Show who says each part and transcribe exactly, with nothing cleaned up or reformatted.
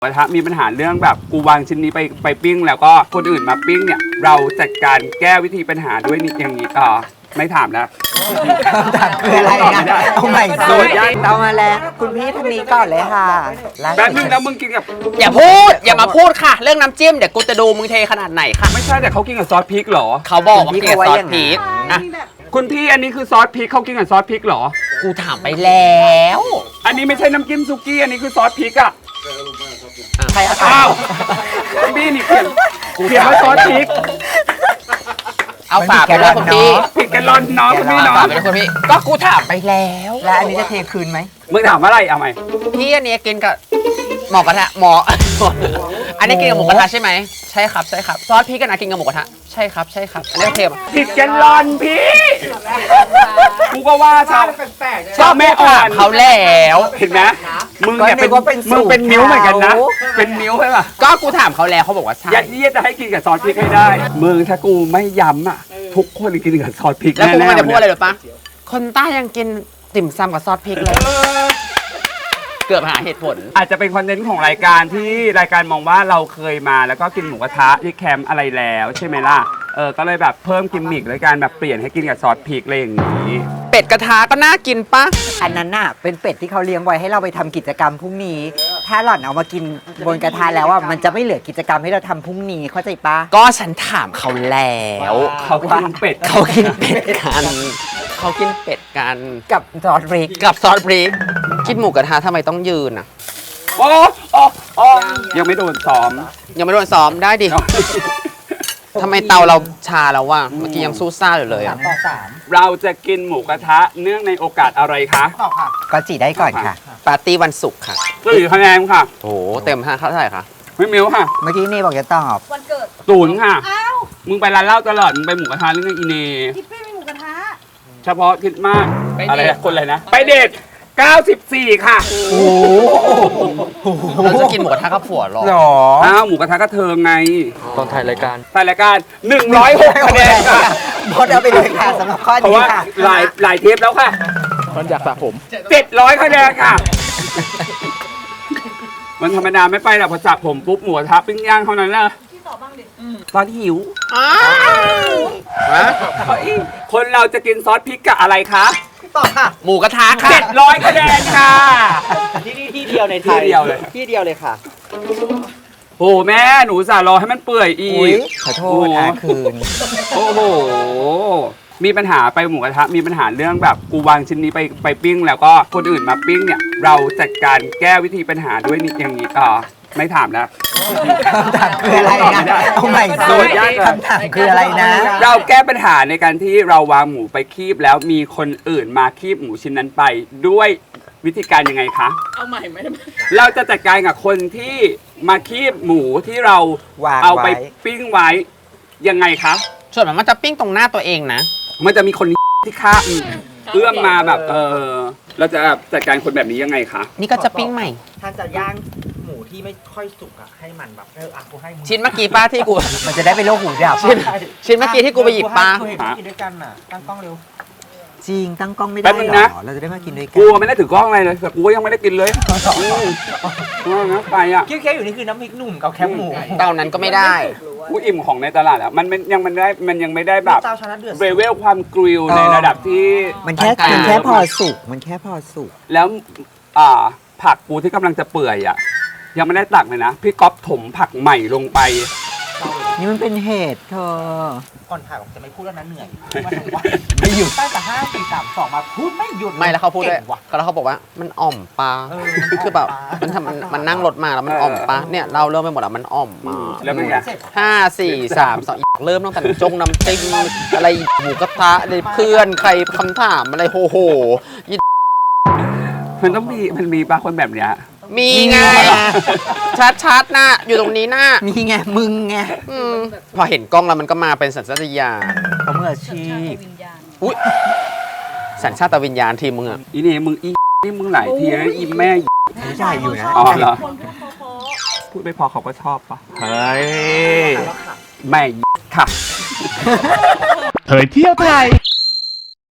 Speaker 1: กระทะมีปัญหาเรื่องแบบกูวางชิ้นนี้ไปไปปิ้งแล้วก็คนอื่นมาปิ้งเนี่ยเราจัดการแก้วิธีปัญหาด้วยนี่อย่างนี้ต่อไม่ถามแล้ว
Speaker 2: คืออะไรนะเอาใหม่
Speaker 1: โด
Speaker 2: สุ
Speaker 1: น
Speaker 2: ด
Speaker 1: ย้าย
Speaker 2: เอามาแล้วคุณพี่ท่านนี้ก่อนเลยค่ะ
Speaker 1: แป๊บนึงแล้วมึงกินกับ
Speaker 3: อย่าพูดอย่ามาพูดค่ะ เรื่องน้ำจิ้มเดี๋ยวกูจะดูมึงเทขนาดไหนค่ะ
Speaker 1: ไม่ใช่แต่เขากินกับซอสพริกเหรอ
Speaker 3: เขาบอกว่าเกลียดซอสพริกอ่ะ
Speaker 1: คุณพี่อันนี้คือซอสพริกเขากินกับซอสพริกเหรอ
Speaker 3: กูถามไปแล้ว
Speaker 1: อันนี้ไม่ใช่น้ำจิ้มซุกี้อันนี้คือซอสพริกอะ
Speaker 2: ใครเอา
Speaker 1: อ้าวคุณพี่นี่เขียนเขียนว่าซอสพริก
Speaker 3: เอาฝากไปด้วยคุณพี่
Speaker 1: ผิดกันร้อนน้องคุณพี่น้อ
Speaker 3: ฝาง กไปด้วยคุณพี่ก็กูถามไปแล้ว
Speaker 2: แล้วอันนี้จะเทคืนไหม
Speaker 1: มึงถามอะไรเอาไหม
Speaker 3: พี่อันนี้กินกับหมอกระทะหมอ อันนี้กินกับหมูกระทะใช่ไหมใช่ครับใช่ครับซอสพริกกันนะกินกับหมูกระทะใช่ครับใช่ครับอันนี้เทม
Speaker 1: ผิดกันร้อนพี่กูก็ว่าชาวชอบแม่อ่อน
Speaker 3: เขาแล้ว
Speaker 1: เห็นไหมมึงเนี่ยเป็นมึงเป็นนิ้วเหมือนกันนะ เป็นนิ้วใช่ป่ะ
Speaker 3: ก็กูถามเขาแล้วเขาบอกว่าใช่
Speaker 1: ยัดเยียดจะให้กินกับซอสพริกให้ได้มึงถ้ากูไม่ย้ำอ่ะทุกคนกินกับซอสพริก
Speaker 3: แล้วกู
Speaker 1: แน่ๆ
Speaker 3: มันจะพูดอะไรหรือปะคนใต้ยังกินติ่มซำกับซอสพริกเลย เกือบหาเหตุผล
Speaker 1: อาจจะเป็นคอนเทนต์ของรายการที่รายการมองว่าเราเคยมาแล้วก็กินหมูกระทะที่แคมป์อะไรแล้วใช่ไหมล่ะเออก็เลยแบบเพิ่มกิมมิคด้วยการแบบเปลี่ยนให้กินกับซอสพริกอะไรอย่างนี้
Speaker 3: เป็ดกระทะก็น่ากินปะ
Speaker 2: อันนั้นน่ะเป็นเป็ดที่เขาเลี้ยงไว้ให้เราไปทำกิจกรรมพรุ่งนี้ ถ้าหล่อนเอามากินบนกระทะแล้วอ่ะมันจะไม่เหลือกิจกรรมให้เราทำพรุ่งนี้เข้าใจปะ
Speaker 3: ก็ฉันถามเขาแล้ว
Speaker 1: เขากินเป็ด
Speaker 3: เขากินเป็ดกันเขากินเป็ดกัน
Speaker 2: กับซอสพริก
Speaker 3: กับซอสพริกกินหมูกระทะทำไมต้องยืนอ่ะ
Speaker 1: โอ้โอ้โอ้ยังไม่โดนซ้อม
Speaker 3: ยังไม่โดนซ้อมได้ดิทำไมเตาเราชาแล้ววะเมื่อกี้ยังสู้ซ่าอยู่เลยอ่ะ
Speaker 2: ต่อสาม
Speaker 1: เราจะกินหมูกระทะเนื่องในโอกาสอะไรคะ
Speaker 2: ต่อค่ะก็จีได้ก่อนค่ะ
Speaker 3: ปาร์ตี้วันศุกร์ค่ะ
Speaker 1: สี่คะแนนค่ะ
Speaker 3: โอ้โหเต็มห้าเท่าไหร่คะ
Speaker 1: ไม่มิวค่ะ
Speaker 2: เมื่อกี้นี่บอกจะตอบ
Speaker 4: วันเกิด
Speaker 1: ศูนย์ค่ะ
Speaker 4: อ้าว
Speaker 1: มึงไปร้านเหล้าตลอด มึงไปหมูกระทะเรื่องอีเน
Speaker 4: ทิปปี้มีหมูกระทะ
Speaker 1: เฉพาะคิดมาก อะไรนะคนอะไรนะ ไปเดทเก้าสิบสี่ค่ะ
Speaker 2: โอ้โห
Speaker 3: เราจะกินหมูกระทะกับผัวหรอ
Speaker 2: หรอ
Speaker 1: อ้าวหมูกระทะก็เทิงไง
Speaker 3: ตอนถ่ายรายการ
Speaker 1: ถ่ายรายการหนึ่งร้อยหกคะแนนค่ะ
Speaker 2: พดเอาไปเลยค่ะสำหรับข้อ
Speaker 1: เพราะ
Speaker 2: นี้
Speaker 1: ว่า
Speaker 2: ค่ะ
Speaker 1: หลายหลายเทปแล้วค่ะ
Speaker 3: มันอยากสระผม
Speaker 1: เจ็ดร้อยคะแนนค่ะ มันธรรมดาไม่ไปหรอกพอจับผมปุ๊บหมูกระทะปิ้งย่างเท่านั้นแหละ
Speaker 4: พี่ตอบบ้างดิ
Speaker 1: ตอนหิว
Speaker 3: อ้าว
Speaker 1: เฮ้ยคนเราจะกินซอสพริกกับอะไรคะ
Speaker 2: ต่อค่ะ
Speaker 3: หมูกระทะค่ะ
Speaker 1: เจ็ดร้อยคะแนนค่ะ
Speaker 2: ที่นี่ที่เดียวในไท
Speaker 1: ที่
Speaker 2: ย
Speaker 1: เดียวเลย
Speaker 2: ที่เดียวเลยค่ะ
Speaker 1: โอ้แม่หนูสารอให้มันเปื่อยอี
Speaker 2: อุ้ย
Speaker 1: ก
Speaker 2: ขอโทษอาคืน
Speaker 1: โอ้โห มีปัญหาไปหมูกระทะมีปัญหาเรื่องแบบกูวางชิ้นนี้ไปไปปิ้งแล้วก็คนอื่นมาปิ้งเนี่ยเราจัดการแก้วิธีปัญหาด้วยนี่อย่างนี้ต่อไม่ถามแล้ว
Speaker 2: คำถามคืออะไรนะเอาใหม่
Speaker 1: โด
Speaker 2: สุ
Speaker 1: น
Speaker 2: ด
Speaker 1: ย้าย
Speaker 2: คำถามคืออะไรนะ
Speaker 1: เราแก้ปัญหาในการที่เราวางหมูไปคีบแล้วมีคนอื่นมาคีบหมูชิ้นนั้นไปด้วยวิธีการยังไงคะ
Speaker 4: เอาใหม่ไหม
Speaker 1: เราจะจัดการกับคนที่มาคีบหมูที่เรา
Speaker 2: วาง
Speaker 1: เอาไป
Speaker 2: ไว้
Speaker 1: ปิ้งไว้ยังไงคะ
Speaker 3: ส่วนมันจะปิ้งตรงหน้าตัวเองนะ
Speaker 1: มันจะมีคนที่ข้ามเอื้อมมาแบบเออเราจะจัดการคนแบบนี้ยังไงคะ
Speaker 3: นี่ก็จะปิ้งใหม่
Speaker 5: ถ้าจะย่างหมูที่ไม่ค่อยสุกอะให้มันแบบเอออ่ะกูให้มึง
Speaker 3: ชิ้นเมื่อกี้ป้าที่กู
Speaker 2: มันจะได้เป็นโรคหูดับ
Speaker 3: ชิ้นชิ้นเมื่อกี้ที่กูไปหยิบปลา
Speaker 5: กูเห็นกูกินด้วยกันน่ะตั้งกล้องเร็ว
Speaker 2: จริงตั้งกล้องไม่
Speaker 1: แป๊
Speaker 2: ได้
Speaker 1: บนึง
Speaker 2: หร
Speaker 1: นะ
Speaker 2: อเราจะได้มากินด้วยกั
Speaker 1: กูไม่ได้ถือกล้องอะไรเลยแต่กูก็ยังไม่ได้กินเลยอืมว่างั้นไปอ่ะ
Speaker 5: เคี้ยวๆอยู่นี่คือน้ำพริกหนุ่มกับแคบหมู
Speaker 3: เตานั้นก็ไม่ได้
Speaker 1: กูอิ่มของในตลาดแล้วมันมันยังมันได้มันยังไม่ได้แบบ
Speaker 5: เตาชนะเดือด
Speaker 1: เรเวลความกริลในระดับที่
Speaker 2: มันแค่
Speaker 3: ปานกลาง
Speaker 2: มันแค่พอสุกมันแค่พอสุก
Speaker 1: แล้วอ่าผักกูที่กำลังจะเปื่อยอ่ะยังไม่ได้ตักเลยนะพี่ก๊อฟถมผักใหม่ลงไป
Speaker 2: นี่มันเป็นเหตุเธอ
Speaker 5: ก่อนถ่ายบอกจะไม่พูดแล้วนะเหนื่อย
Speaker 2: ไม่หยุด
Speaker 5: ตั้งแต่ห้าสี่สามสองมาพูดไม่หยุด
Speaker 3: ไม่แล้วเขาพูดด้วย
Speaker 5: ก่งว่ะ
Speaker 3: แล้วเขาบอกว่ามันอ่อมปลา
Speaker 5: เออ
Speaker 3: คือแบบมันทำมันมันนั่งรถมาแล้วมันอ่อมปลาเนี่ยเราเริ่มไปหมดแล้วมันอ่อมมา
Speaker 1: แล้วเป็นไง
Speaker 3: ห้าสี่สามสองเริ่มตั้งแต่จงน้ำจิ้มอะไรหมูกระทะอะไรเพื่อนใครคำถามอะไรโหโห
Speaker 1: มันต้องมีมันมีปลาคนแบบเนี้ย
Speaker 3: มีไง ชัดชัดๆนะอยู่ตรงนี้นะ
Speaker 2: นี่ไงมึงไง
Speaker 3: อืมพอเห็นกล้องแล้วมันก็มาเป็นสัญชาตญาณ
Speaker 2: เขามืออาชีพ
Speaker 4: วิญญาณ
Speaker 3: อุ้ยสัญชาตวิญญาณทีมมึงอะ
Speaker 1: อีนี่มึงอีนี่มึงหลายทีแล้วอีแม่
Speaker 2: ไม่ใช่อยู่นะ
Speaker 1: อ๋อเหรอ
Speaker 4: คนพูดเพราะ
Speaker 1: พูดไม่พอเขาก็ชอบปะเฮ้ยแม่ค่ะ
Speaker 6: เผยเที่ยวไทย